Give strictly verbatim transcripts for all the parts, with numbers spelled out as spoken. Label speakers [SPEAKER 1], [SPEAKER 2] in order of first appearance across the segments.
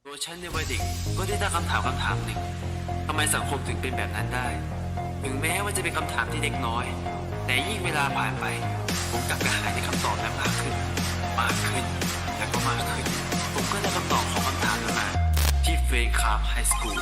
[SPEAKER 1] ตัวฉันในวัยเด็กก็ได้ตั้งคำถามคำถามหนึ่งทำไมสังคมถึงเป็นแบบนั้นได้ ถึงแม้ว่าจะเป็นคำถามที่เล็กน้อย แต่ยิ่งเวลาผ่านไป ผมกลับกระหายในคำตอบนั้นมากขึ้น มากขึ้น และก็มากขึ้น ผมก็ได้คำตอบของคำถามนั้นมาที่เฟรนคาร์ฟไฮสคูล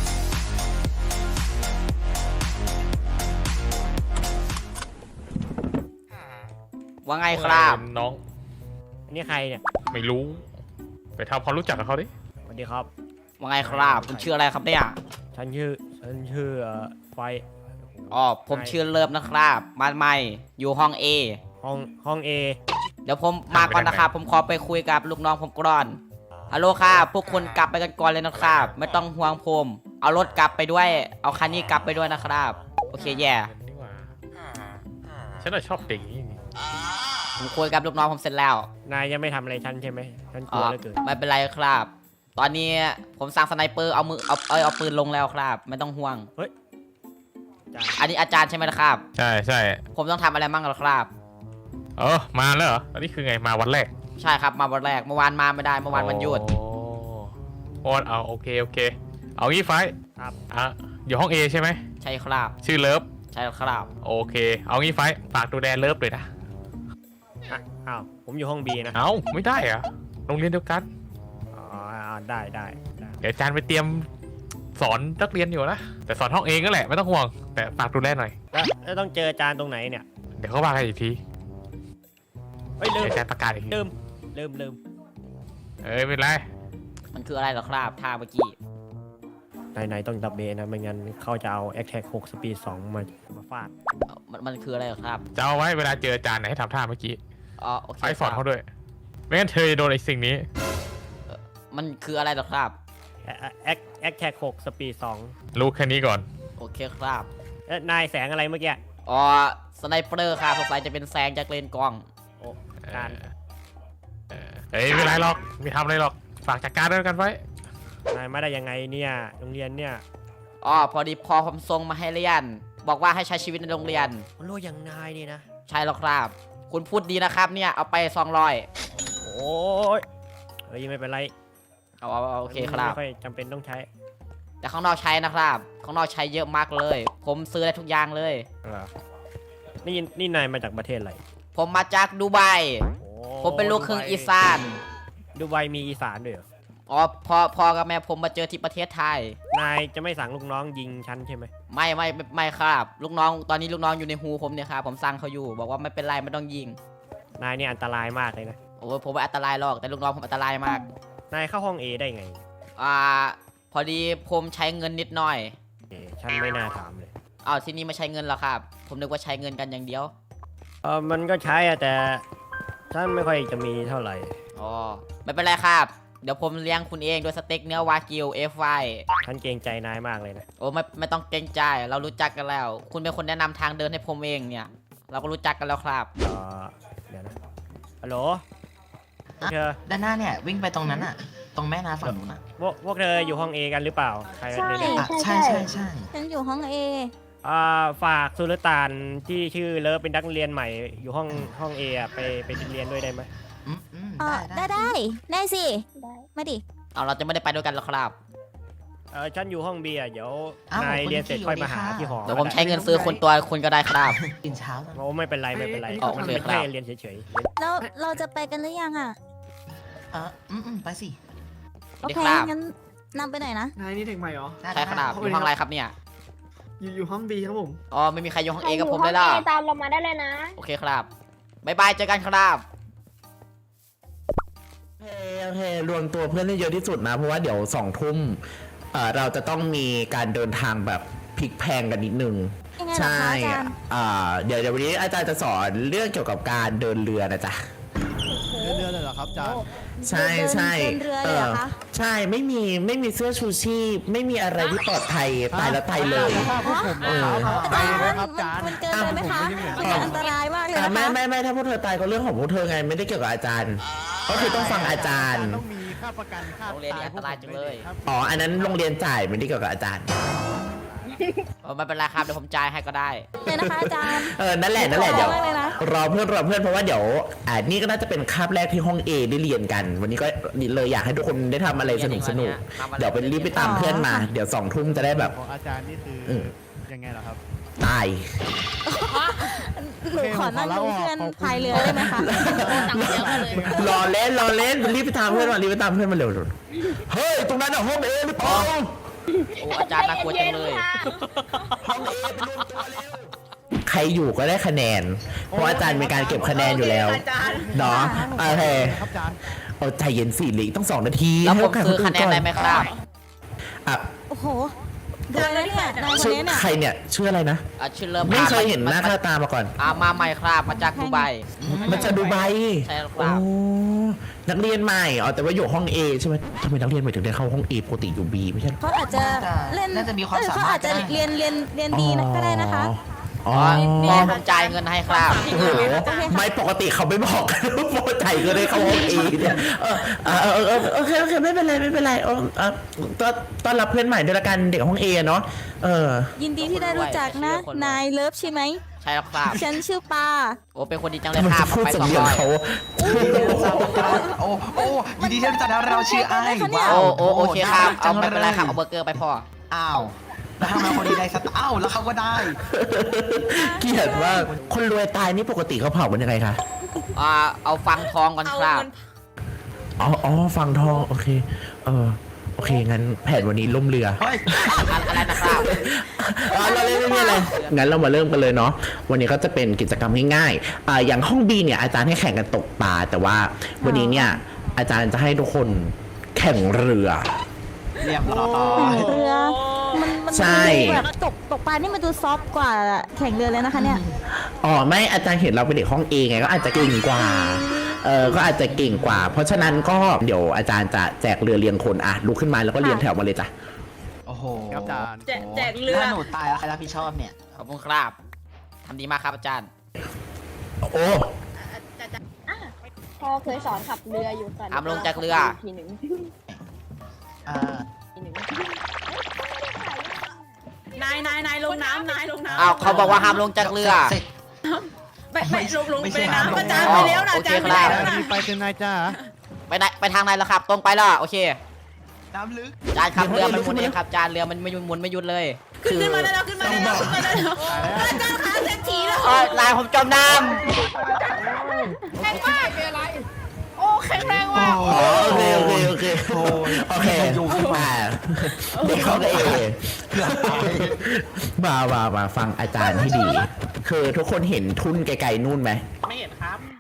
[SPEAKER 2] ว่าไงครับ
[SPEAKER 3] น้อง
[SPEAKER 4] อันนี้ใครเนี่ย
[SPEAKER 3] ไม่รู้ ไปทำความรู้จักกับเขาดิ
[SPEAKER 4] สวัสดีครับ
[SPEAKER 2] ว่าไงครับคุณชื่ออะไรครับเนี่ย
[SPEAKER 4] ฉันชื่อฉันชื่อเอ่อไฟ
[SPEAKER 2] อ๋อผมชื่อเลิฟนะครับมาใหม่อยู่ห้อง A
[SPEAKER 4] ห้องห้องเอ
[SPEAKER 2] เดี๋ยวผมมาก่อนนะครับผมขอไปคุยกับลูกน้องผมก่อนฮัลโหลครับพวกคุณกลับไปกันก่อนเลยนะครับไม่ต้องห่วงผมเอารถกลับไปด้วยเอาคันนี้กลับไปด้วยนะครับโอเคแย่
[SPEAKER 3] นี่หว่าฉันน่ะชอบเด็กนี่
[SPEAKER 2] ผมคุยกับลูกน้องผมเสร็จแล้ว
[SPEAKER 4] นายยังไม่ทำอะไรฉันใช่ไหมฉันก
[SPEAKER 2] อ๋
[SPEAKER 4] ลั
[SPEAKER 2] อ
[SPEAKER 4] วเหลือเกิน
[SPEAKER 2] ไม่เป็นไรครับ ตอนนี้ผมสั่งสไนเปอร์เอามือเอาเอยเอาปืนลงแล้วครับไม่ต้องห่วง
[SPEAKER 4] จ้า
[SPEAKER 2] อันนี้อาจารย์ใช่ไหมนะครับ
[SPEAKER 3] ใช่ใช่
[SPEAKER 2] ผมต้องทำอะไรบ้างเหรอครับ
[SPEAKER 3] เออมาแล้วเหรออันนี้คือไงมาวันแรก
[SPEAKER 2] ใช่ครับมาวันแรกเมื่อวานมาไม่ได้เมื่อวานวันหยุด
[SPEAKER 3] โอ้โอ้เอาโอเคโอเค เอางี้ไฟ
[SPEAKER 4] ครับ
[SPEAKER 3] อ่ะอยู่ห้อง A ใช่ไหม
[SPEAKER 2] ใช่ครับ
[SPEAKER 3] ชื่อเลิฟ
[SPEAKER 2] ใช่ครับ
[SPEAKER 3] โอเค เอางี้ไฟฝากดูแลเลิฟเลยนะ
[SPEAKER 4] อ่ะอ้าวผมอยู่ห้องบีนะ
[SPEAKER 3] เอาไม่ได้เหรอะโรงเรียนเดียวกัน
[SPEAKER 4] อ๋ออ่าได้ได้ได้
[SPEAKER 3] เดี๋ยวอาจารย์ไปเตรียมสอนนักเรียนอยู่นะแต่สอนห้องเองก็แหละไม่ต้องห่วง แต่ฝากดูแลหน่อย
[SPEAKER 4] แล้วแล้วต้องเจออาจารย์ตรงไหนเนี่ย
[SPEAKER 3] เดี๋ยวเขาว่ากันอีกที
[SPEAKER 4] เฮ้ยลื
[SPEAKER 3] เดี๋ย
[SPEAKER 4] ม
[SPEAKER 3] วอาจารย์ประกาศอีกที
[SPEAKER 4] ลืมลืมลืม
[SPEAKER 3] เอ้ยไม่เป็นไร
[SPEAKER 2] มันคืออะไรเหรอครับท่าเมื่อกี้
[SPEAKER 4] นายนายต้องดับเบลนะไม่งั้นเขาจะเอาแอคแท็กหกสปีดสองมามาฟาด
[SPEAKER 2] เอ่อมันมันคืออะไรเหรอครับ
[SPEAKER 3] จะเอาไว้เวลาเจออาจารย์ไหนให้ทำท่าเมื่อกี้
[SPEAKER 2] อ๋อโอเค
[SPEAKER 3] ไฟสอน
[SPEAKER 2] ครั
[SPEAKER 3] เขา
[SPEAKER 2] บ
[SPEAKER 3] ด้วย ไม่งั้นเธอจะโดนไอ้สิ่งนี้
[SPEAKER 2] มันคืออะไรเหรอครับ
[SPEAKER 4] แอแอคแอคแท็กหกสปีดสอง
[SPEAKER 3] รู้แค่นี้ก่อน
[SPEAKER 2] โอเคครับ
[SPEAKER 4] เอ้ยนายแสงอะไรเมื่อกี้
[SPEAKER 2] อ๋อสไนเปอร์ครับสงสัยจะเป็นแซงจากเลนกล้อง
[SPEAKER 4] โอ้การ
[SPEAKER 3] เออเอ้ยไม่เป็นไรหรอกไม่ทำอะไรหรอกฝากจัดการด้วยกันไว้
[SPEAKER 4] นายมาได้ยังไงเนี่ยโรงเรียนเนี่ย
[SPEAKER 2] อ๋อพอดีพอผมส่งมาให้เรียน บอกว่าให้ใช้ชีวิตในโรงเรียน
[SPEAKER 4] มันรู้อย่างนายนี่นะ
[SPEAKER 2] ใช่แล้วครับ คุณพูดดีนะครับเนี่ยเอาไปสองร้อย
[SPEAKER 4] โอ้ยเฮ้ยไม่เป็นไร
[SPEAKER 2] เอาเอาเอาโอเคครับ
[SPEAKER 4] ไม่ค่อยจำเป็นต้องใช้
[SPEAKER 2] แต่ข้างนอกใช้นะครับข้างนอกใช้เยอะมากเลย ผมซื้อได้ทุกอย่างเลย
[SPEAKER 4] เหรอนี่นี่นายมาจากประเทศอะไร
[SPEAKER 2] ผมมาจากดูไบ
[SPEAKER 4] โอ้
[SPEAKER 2] ผมเป็นลูกครึ่งอีสาน
[SPEAKER 4] ดูไบมีอีสานด้วยเหรอ
[SPEAKER 2] อ๋อพอพอกับแม่ผมมาเจอที่ประเทศไทย
[SPEAKER 4] นายจะไม่สั่งลูกน้องยิงฉันใช่ไหม
[SPEAKER 2] ไม่ไม่ไม่ไม่ครับ ลูกน้องตอนนี้ลูกน้องอยู่ในหูผมเนี่ยครับผมสั่งเขาอยู่ บอกว่าไม่เป็นไรไม่ต้องยิง
[SPEAKER 4] นายนี่อันตรายมากเลยนะ
[SPEAKER 2] โอ้ยผมไม่อันตรายหรอกแต่ลูกน้องผมอันตรายมาก
[SPEAKER 4] นายเข้าห้องเอได้ไง
[SPEAKER 2] อ่าพอดีผมใช้เงินนิดหน่อย
[SPEAKER 4] เอฉันไม่น่าถามเลย
[SPEAKER 2] อ้าวที่นี่ไม่ใช้เงินหรอครับ ผมนึกว่าใช้เงินกันอย่างเดียว
[SPEAKER 4] เออมันก็ใช้อะแต่ฉันไม่ค่อยจะมีเท่าไหร่
[SPEAKER 2] อ๋อไม่เป็นไรครับ เดี๋ยวผมเลี้ยงคุณเองด้วยสเต็กเนื้อวากิวเอฟไฟ
[SPEAKER 4] ฉันเกรงใจนายมากเลยนะ
[SPEAKER 2] โอ้ไม่ไม่ต้องเกรงใจเรารู้จักกันแล้ว คุณเป็นคนแนะนำทางเดินให้ผมเองเนี่ย เราก็รู้จักกันแล้วครับ
[SPEAKER 4] เออเดี๋ยวนะฮัลโหลพวกเธอ
[SPEAKER 5] ด้านหน้าเนี่ยวิ่งไปตรงนั้นอะตรงแม่น้ำฝั่งนู้นอะ
[SPEAKER 4] พวกพวกเธออยู่ห้องเอกันหรือเปล่าใคร
[SPEAKER 6] ใช่
[SPEAKER 4] เนี่ย
[SPEAKER 5] อ่ะใช่ใช่ใช่
[SPEAKER 6] ฉันอยู่ห้องเอ
[SPEAKER 4] อ่าฝากสุลต่านที่ชื่อเลิฟเป็นนักเรียนใหม่อยู่ห้องห้องเอะไปไปเรียนด้วยได้ไหม
[SPEAKER 5] อืมอืม
[SPEAKER 6] อ๋อ
[SPEAKER 5] ได้
[SPEAKER 6] ได้
[SPEAKER 5] ได้
[SPEAKER 6] ได้ได้สิ มาดิ
[SPEAKER 2] เอาเราจะไม่ได้ไปด้วยกันหรอกครับ
[SPEAKER 4] เออฉันอยู่ห้องเบียร์เดี๋ยว
[SPEAKER 5] อ้าวน
[SPEAKER 4] าย
[SPEAKER 5] คุณ
[SPEAKER 4] เรียนเสร็จ
[SPEAKER 5] พี่
[SPEAKER 4] ค่อยมา
[SPEAKER 5] สวั
[SPEAKER 4] หา
[SPEAKER 5] สดีค่ะ
[SPEAKER 4] ที่หอ
[SPEAKER 2] เดี๋ยวผมใช้เงินซื้อคนตัวคุณก็ได้ครับ
[SPEAKER 5] กินเช้ากัน
[SPEAKER 4] โอ้ไม่เป็นไรไม่เป็นไร
[SPEAKER 2] อ๋อ
[SPEAKER 4] มัน
[SPEAKER 2] โอเค
[SPEAKER 4] เป็น
[SPEAKER 2] ครั
[SPEAKER 4] แค่
[SPEAKER 2] บ
[SPEAKER 4] เรียนเฉย
[SPEAKER 6] แล้วเราจะไปกันหรือยังอ่ะ
[SPEAKER 5] เอออืมอืมไปสิ
[SPEAKER 6] โอเค
[SPEAKER 2] ครับ
[SPEAKER 6] งั้นนำไปหน่อยนะ
[SPEAKER 7] นายนี่เด็กใหม่เหรอ
[SPEAKER 5] ได้
[SPEAKER 2] ใช่ครับอยู่ห้องอะไรครับเนี่ย
[SPEAKER 7] อยู่อยู่ห้องบีครับผม
[SPEAKER 2] อ๋อไม่มีใครอยู่ห้อง
[SPEAKER 8] ใคร
[SPEAKER 2] เอ
[SPEAKER 8] อ
[SPEAKER 2] กับ
[SPEAKER 8] ยู่
[SPEAKER 2] ผม
[SPEAKER 8] ห้
[SPEAKER 2] เล
[SPEAKER 8] อง
[SPEAKER 2] ยล่ะ
[SPEAKER 8] เอตามเรามาได้เลยนะ
[SPEAKER 2] โอเคครับบายบายเจอกันครับ
[SPEAKER 9] โอเคโอเครวมตัวเพื่อนให้เยอะที่สุดนะ เพราะว่าเดี๋ยวสองทุ่มเอ่อเราจะต้องมีการเดินทางแบบพลิกแพลงกันนิดนึง
[SPEAKER 6] ยังไงเหรอ
[SPEAKER 9] ใช่
[SPEAKER 6] คะอาจารย์
[SPEAKER 9] อ่าเดี๋ยวเดี๋ยววันนี้อาจารย์จะสอนเรื่องเกี่ยวกับการเดินเรือนะจ๊ะ
[SPEAKER 6] เรือเลยเหรอครับอาจารย์
[SPEAKER 9] ใช่ใช่
[SPEAKER 6] เดินเรือเลยเหรอคะ
[SPEAKER 9] ใช่ไม่มีไม่มีเสื้อชูชีพไม่มีอะไรที่ปลอดภัยตายแล้วตายเลยเออ
[SPEAKER 6] อาจารย์มันมันเกินไปไหมคะ มันจะอันตรายมากเลย
[SPEAKER 9] อ่ะ
[SPEAKER 6] นะ
[SPEAKER 9] ไม่
[SPEAKER 6] คะ
[SPEAKER 9] ไม่ไม่ถ้าพวกเธอตายก็เรื่องของพวกเธอไงไม่ได้เกี่ยวกับอาจารย์ ก็คือต้องฟังอาจารย์
[SPEAKER 4] ต้องมีค่าประกันค่า
[SPEAKER 2] โรงเรียนนี้อันตรายจังเลย
[SPEAKER 9] อ๋ออันนั้นโรงเรียนจ่ายไม่ได้เกี่ยวกับอาจารย์
[SPEAKER 4] น
[SPEAKER 2] เออไม่เป็นไรครับเดี๋ยวผมจ่ายให้ก็ได้
[SPEAKER 6] เลยนะคะอาจารย์
[SPEAKER 9] เออนั่นแหละนั่นแหละเดี๋ยว
[SPEAKER 6] ขอบคุณมากเลยนะ
[SPEAKER 9] รอเพื่อนรอเพื่อนเพราะว่าเดี๋ยวอ่านี่ก็น่าจะเป็นคาบแรกที่ห้อง A ได้เรียนกัน วันนี้ก็เลยอยากให้ทุกคนได้ทำอะไรสนุกสนุกเดี๋ยวไปรีบไปตามเพื่อนมา เดี๋ยวสองทุ่มจะได้แบบ
[SPEAKER 8] ของอาจารย์นี่คือ
[SPEAKER 9] เออ
[SPEAKER 8] ยังไงเหรอครับ
[SPEAKER 9] ตาย
[SPEAKER 6] หนูขอนั่งดูเพื่อนพายเรือได้ไหมคะ
[SPEAKER 9] รอเล่นรอเล่นรีบไปตามเพื่อนมารีบไปตามเพื่อนมาเร็วเฮ้ยตรงนั้นอะห้อง A หรือเปล่า
[SPEAKER 2] โอ้อาจารย์น่ากลัวจังเลย
[SPEAKER 9] ห้อง A ไปรวมตัวเร็วใครอยู่ก็ได้คะแนน เพราะอาจารย์มีการเก็บคะแนนอยู่แล้วเนาะโอเค
[SPEAKER 8] ครับอาจารย์
[SPEAKER 9] เอาใจเย็นสิเหลืออกต้องสองนาที
[SPEAKER 2] แล้วผม
[SPEAKER 9] ให้
[SPEAKER 2] ซื้อ
[SPEAKER 9] โกาส
[SPEAKER 2] คะแนนได้ไหมครับ
[SPEAKER 9] อ่ะ
[SPEAKER 6] โอ้โหนายนะเนี่ยนายคน
[SPEAKER 9] ชื่อ
[SPEAKER 6] นี้เนี่ย
[SPEAKER 9] ใครเนี่ยชื่ออะไรนะ
[SPEAKER 2] อ่ะชื่อเริ่ม
[SPEAKER 9] ไม่เคยเห็นหน้าค่าตามาก่อน
[SPEAKER 2] อ่ามาใหม่ครับมาจากดูไบ
[SPEAKER 9] มันจะดูไบ
[SPEAKER 2] ใช่ครับ
[SPEAKER 9] โอ้นักเรียนใหม่อ๋อแต่ว่าอยู่ห้อง A ใช่ไหมทำไมนักเรียนใหม่ถึงได้เข้าห้อง A ปกติอยู่ B ไม่ใช่เหรอ
[SPEAKER 6] เขาอาจจะเล่น
[SPEAKER 5] น่าจะมีความ
[SPEAKER 6] เออ
[SPEAKER 5] สา
[SPEAKER 6] เขา
[SPEAKER 5] มารถ
[SPEAKER 6] อาจจะ
[SPEAKER 5] ก็ได้
[SPEAKER 6] เรียนเรียนเรียนดีนะก็ได้นะคะ
[SPEAKER 9] อ๋อ
[SPEAKER 2] พอผมจ่ายเงินให้ครับ
[SPEAKER 9] โอ้โหไม่ปกติเขาไม่บอกกันว่าโปรใจก็ได้เข้าห้อง A เนี่ยเออเออเออเออโอเคโอเคไม่เป็นไรไม่เป็นไรเออเออต้อนต้อนรับเพื่อนใหม่ด้วยละกันเด็กห้อง A เนาะเออ
[SPEAKER 6] ยินดีที่ได้รู้จักนะ นายเลิฟใช่ไหม
[SPEAKER 2] ใช่แล้วครับ
[SPEAKER 6] ฉันชื่อปา
[SPEAKER 2] โอ้เป็นคนดีจังเล
[SPEAKER 9] ทำ
[SPEAKER 2] ย
[SPEAKER 9] ไม
[SPEAKER 2] ครั
[SPEAKER 9] จะ
[SPEAKER 2] บ
[SPEAKER 9] พูด
[SPEAKER 2] ไป
[SPEAKER 9] สำ
[SPEAKER 2] สอง
[SPEAKER 9] เนียง
[SPEAKER 2] ร้อย
[SPEAKER 9] เขา
[SPEAKER 5] โอ้โอ้ยินดีที่รู้จักนะเราชื่อไอ้ว้าว
[SPEAKER 2] โอ้โอ้โอเคครับ
[SPEAKER 5] จั
[SPEAKER 2] เอา
[SPEAKER 5] ง
[SPEAKER 2] ไม่เป็นไรครับ
[SPEAKER 5] ล
[SPEAKER 2] เอา
[SPEAKER 5] ย
[SPEAKER 2] เบอร์เกอร์ไปพอ
[SPEAKER 5] อ้าวแล้วทำไมคนดีได้สตอ้าวแล้วเขาก็ได้
[SPEAKER 9] เกลียดว่าคนรวยตายนี่ปกติเขาเผากันยังไงคะ
[SPEAKER 2] อ่าเอาฟังทองก่อนครับ
[SPEAKER 9] อ๋ออ๋อฟังทองโอเคเออโอเคงั้นแผนวันนี้ล่มเรือ
[SPEAKER 5] เฮ้ย
[SPEAKER 2] อะไรนะครับ
[SPEAKER 9] อ๋อเราเล่นไม่มีอะไรงั้นเรามาเริ่มกันเลยเนาะวันนี้ก็จะเป็นกิจกรรมง่ายๆอ่าอย่างห้อง B เนี่ยอาจารย์ให้แข่งกันตกปลาแต่ว่าวันนี้เนี่ยอาจารย์จะให้ทุกคนแข่งเรือ
[SPEAKER 5] เรียบร้อย
[SPEAKER 6] เรือ มันมัน
[SPEAKER 9] ใช่
[SPEAKER 6] ดูแบบตกตกปลานี่มันดูซอฟต์กว่าแข่งเรือเลยนะคะเนี่ย
[SPEAKER 9] อ๋อไม่อาจารย์เห็นเราเป็นเด็กห้อง A ไงก็อาจจะเก่งกว่าเออก็อาจจะเก่งกว่า เพราะฉะนั้นก็เดี๋ยวอาจารย์จะแจกเรือเรียงคนอ่ะลุกขึ้นมาแล้วก็เรียงแถวมาเลยจ้ะ
[SPEAKER 5] โอ้โห
[SPEAKER 8] ครับอาจารย์
[SPEAKER 5] แจกแจกเรือถ้าหนูตายแล้วใครรับผิดชอบเนี่ย
[SPEAKER 2] ขอบคุณครับทำดีมากครับอาจารย์
[SPEAKER 9] โอ้
[SPEAKER 10] พ่อเคยสอนขับเรืออยู่แต่
[SPEAKER 2] ห้ามลงจากเรือ
[SPEAKER 10] ทีหนึ่ง
[SPEAKER 5] อ่า
[SPEAKER 10] ทีหนึ่ง
[SPEAKER 11] นายนายนายลงน้ำนายลงน้ำ
[SPEAKER 2] อ้าวเขาบอกว่าห้ามลงจากเรือ
[SPEAKER 5] สร็จ
[SPEAKER 11] ไปไปลงลง
[SPEAKER 5] ไม่
[SPEAKER 11] ไป
[SPEAKER 5] ใช่
[SPEAKER 11] น้ำ
[SPEAKER 5] น้ำ
[SPEAKER 11] อาจารย์
[SPEAKER 2] ลง
[SPEAKER 11] ไปแล้วนะ
[SPEAKER 2] โอ
[SPEAKER 11] อา
[SPEAKER 2] เค
[SPEAKER 11] จารย์ไป
[SPEAKER 2] ครับ
[SPEAKER 11] แล้วนะ
[SPEAKER 8] รีบไปเป็นนายจ้า
[SPEAKER 2] ไปไหนไปทางไหนแล้วครับ ตรงไปแล้วโอเค
[SPEAKER 5] น้ำลึก
[SPEAKER 2] อาจารย์ครับเรือมันหมุนเองครับอาจารย์เรือมันไม่หยุดหมุนไม่หยุดเลย
[SPEAKER 11] ขึ้นขึ้นมาได้แล้วขึ้นมาได้แล้วขึ้นมาได้แล้วอาจารย์ขาเศรษฐีแล้ว
[SPEAKER 2] เอ้ยนายผมจมน้
[SPEAKER 11] แข็งมากเป็นอะไรโอ้แข็งแรงมาก
[SPEAKER 9] อ๋อโอเคโอเคโอเค
[SPEAKER 5] โอ้ย
[SPEAKER 9] โอเคอ่าเด็กห้อง A มามามาฟังอาจารย์ให้ดี คือทุกคนเห็นทุ่นไกลๆนู่นไหม
[SPEAKER 5] เห็น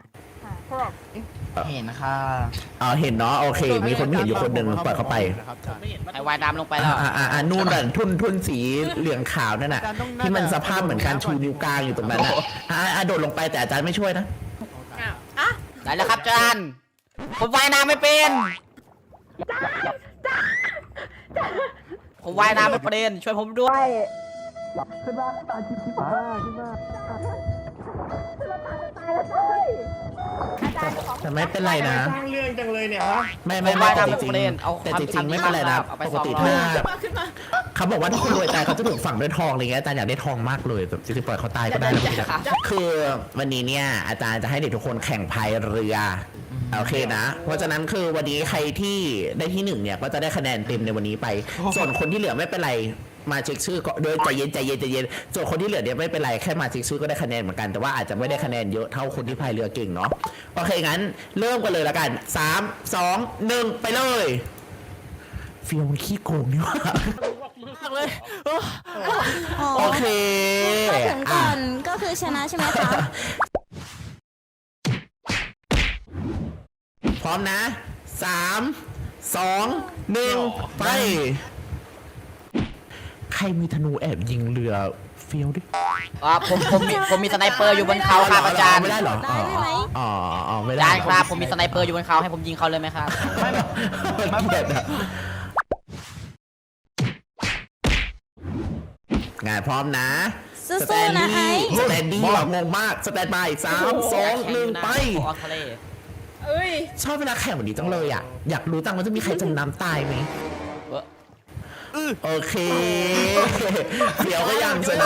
[SPEAKER 5] ค่ะ
[SPEAKER 9] อ๋อเห็นเนาะโอเค มีคนไม่เห็นอยู่คนหนึ่งปล่อยเขาไป
[SPEAKER 8] นะครับอาจารย์
[SPEAKER 2] ำไอ้ว่ายน้ำลงไปแล้ว
[SPEAKER 9] อ่าอ่าอ่านู่นน่ะทุ่นทุ่นสีเหลืองขาวนั่นน่ะ ที่มันสภาพเหมือนการชูนิ้วกลางอยู่ตรงนั้นน่ะอ่าอ่าโดดลงไปแต่อาจารย์ไม่ช่วยนะ
[SPEAKER 2] ได้แล้วครับอาจารย์ผมว่ายน้ำไม่เป็นผมว่ายน้ำไม่เป็นช่วยผมด้วย
[SPEAKER 9] แต่ไม่เป็นไรนะ
[SPEAKER 4] สร้างเรื่องจังเลยเนี่ยฮะ
[SPEAKER 9] ไม่ไม่
[SPEAKER 2] ผม
[SPEAKER 9] ไม่
[SPEAKER 2] ว่าย
[SPEAKER 9] แต่
[SPEAKER 2] น้ำ
[SPEAKER 9] จ
[SPEAKER 2] ไม่
[SPEAKER 9] ริง
[SPEAKER 2] เป็นเอา
[SPEAKER 9] ๆแต่จริง
[SPEAKER 2] ทำ
[SPEAKER 9] ๆไม่เป็นไรนะ
[SPEAKER 2] เอาไป
[SPEAKER 9] ปกติ
[SPEAKER 2] สองร้อย
[SPEAKER 9] ถ้า
[SPEAKER 11] ขึ้นมาขึ้นมา
[SPEAKER 9] เขาบอกว่าถ้าคนรวยตายเขาจะถูกฝังด้วยทองอะไรเงี้ยอาจารย์อยากได้ทองมากเลยแบบจริงๆปล่อยเขาตายก็ได้นะพี่นะคือวันนี้เนี่ยอาจารย์จะให้เด็กทุกคนแข่งพายเรือโอเคนะ เพราะฉะนั้นคือวันนี้ใครที่ได้ที่หนึ่งเนี่ยก็จะได้คะแนนเต็มในวันนี้ไป ส่วนคนที่เหลือไม่เป็นไรมาเช็คชื่อก็โดยใจเย็นใจเย็นใจเย็นส่วนคนที่เหลือเนี่ยไม่เป็นไรแค่มาเช็คชื่อก็ได้คะแนนเหมือนกันแต่ว่าอาจจะไม่ได้คะแนนเยอะเท่าคนที่พายเรือเก่งเนาะโอเคงั้นเริ่มกันเลยละกันสามสองหนึ่งไปเลยฟิลมันขี้โกงนี่หว่า
[SPEAKER 6] อ๋อ
[SPEAKER 9] โอเค
[SPEAKER 6] ถ้าถึงก่
[SPEAKER 9] อ่ะ
[SPEAKER 6] อนก็คือชนะใช่ไหมคะ
[SPEAKER 9] พร้อมนะสามสองหนึ่งไป ใครมีธนูแอบยิงเรือเฟี้ยวดิ
[SPEAKER 2] อ่าผมผมมีผมมีสไนเปอร์อยู่บนเขาครับอาจารย์
[SPEAKER 9] ไม่ได้เหรอ
[SPEAKER 6] ได้ได้ไหม
[SPEAKER 9] อ๋ออ๋อไม่
[SPEAKER 2] อา
[SPEAKER 9] ได้
[SPEAKER 2] จารย์ครับผมมีสไนเปอร์อยู่บนเขาให้ผมยิงเขาเลยไหมครับ
[SPEAKER 9] ไม่เกลียดอะงานพร้อมนะ
[SPEAKER 6] สู้ๆนะไอ้
[SPEAKER 9] สแตนดี้แบบงงมากสแตนบายสามสองหนึ่งไป
[SPEAKER 2] ออกทะเล
[SPEAKER 11] เอ้ย
[SPEAKER 9] ชอบเวลาแข่งแบบนี้จังเลยอ่ะ อยากรู้จังว่าจะมีใครจมน้ำตายไหม
[SPEAKER 2] เว้อ
[SPEAKER 9] เอโอเคเดี๋ยวก็ยังชนะ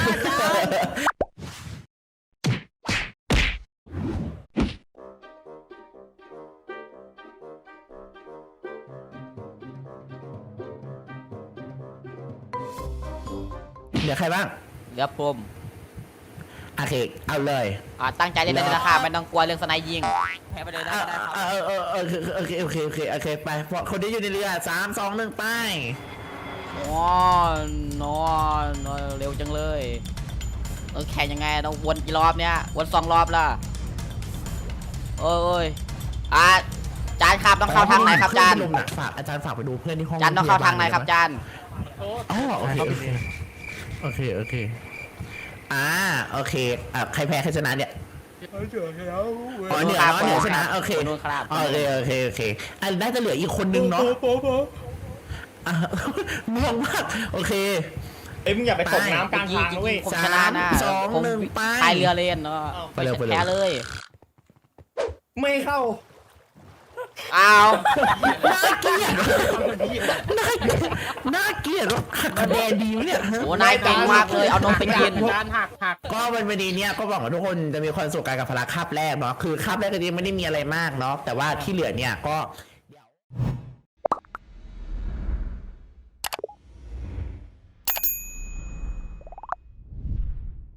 [SPEAKER 9] เหลือใครบ้าง
[SPEAKER 2] เหลือผม
[SPEAKER 9] โอเคเอาเลย
[SPEAKER 2] อ่าตั้งใจเล่นเลยนะครับไม่ต้องกลัวเรื่องสไนยิงแพ้ไปเลยนะ
[SPEAKER 9] เออเออเออโอเคโอเคโอเคโอเคไปคนที่อยู่ในเรือสามสองหนึ่งไป
[SPEAKER 2] อ๋อนอนเร็วจังเลยเออแข่งยังไงต้องวนกี่รอบเนี่ยวนสองรอบละโอ้ยอ่ะจานครับต้องเข้าทางไหนครับจาน
[SPEAKER 9] ฝากอาจารย์ฝากไปดูเพื่อนที่ห้อง
[SPEAKER 2] จานต้องเข้าทางไหนครับจาน
[SPEAKER 9] อ๋อโอเคโอเคโอเคโอเคอ่าโอเคอ่ะใครแพ้ใครชนะเนี่ยอ๋อเหนือเนาะเหนือชนะโอเค
[SPEAKER 2] นู่นครับ
[SPEAKER 9] โอเคโอเคโอเคอันน่าจะเหลืออีกคนนึงเนาะอ่ะม่วงมากโอเค
[SPEAKER 4] เอ้ยมึงอย่าไปตกน้ำกลาง
[SPEAKER 2] จริง
[SPEAKER 4] ทาง
[SPEAKER 2] จริ
[SPEAKER 4] นะ
[SPEAKER 2] ง
[SPEAKER 4] เว้ย
[SPEAKER 2] ผมชนะนะ
[SPEAKER 9] สามสอง
[SPEAKER 2] ผม
[SPEAKER 9] หนึ่งไป
[SPEAKER 2] พายเรือเล่นเนาะ
[SPEAKER 9] ไปเลยไปเลย
[SPEAKER 2] แพ้เลย
[SPEAKER 4] ไม่เข้า
[SPEAKER 2] อ้าว
[SPEAKER 9] น่าเกลียดน่าน่าเกลียดว่าหักคะแนนดีวะเนี่ย
[SPEAKER 2] โอ้นายเก่งมากเลยเอานมไปกิน
[SPEAKER 4] การหักหัก
[SPEAKER 9] ก็วันวันนี้เนี่ยก็หวังว่าทุกคนจะมีความสุขกันกับพละคาบแรกเนาะคือคาบแรกก็ยังไม่ได้มีอะไรมากเนาะแต่ว่าที่เหลือเนี่ยก็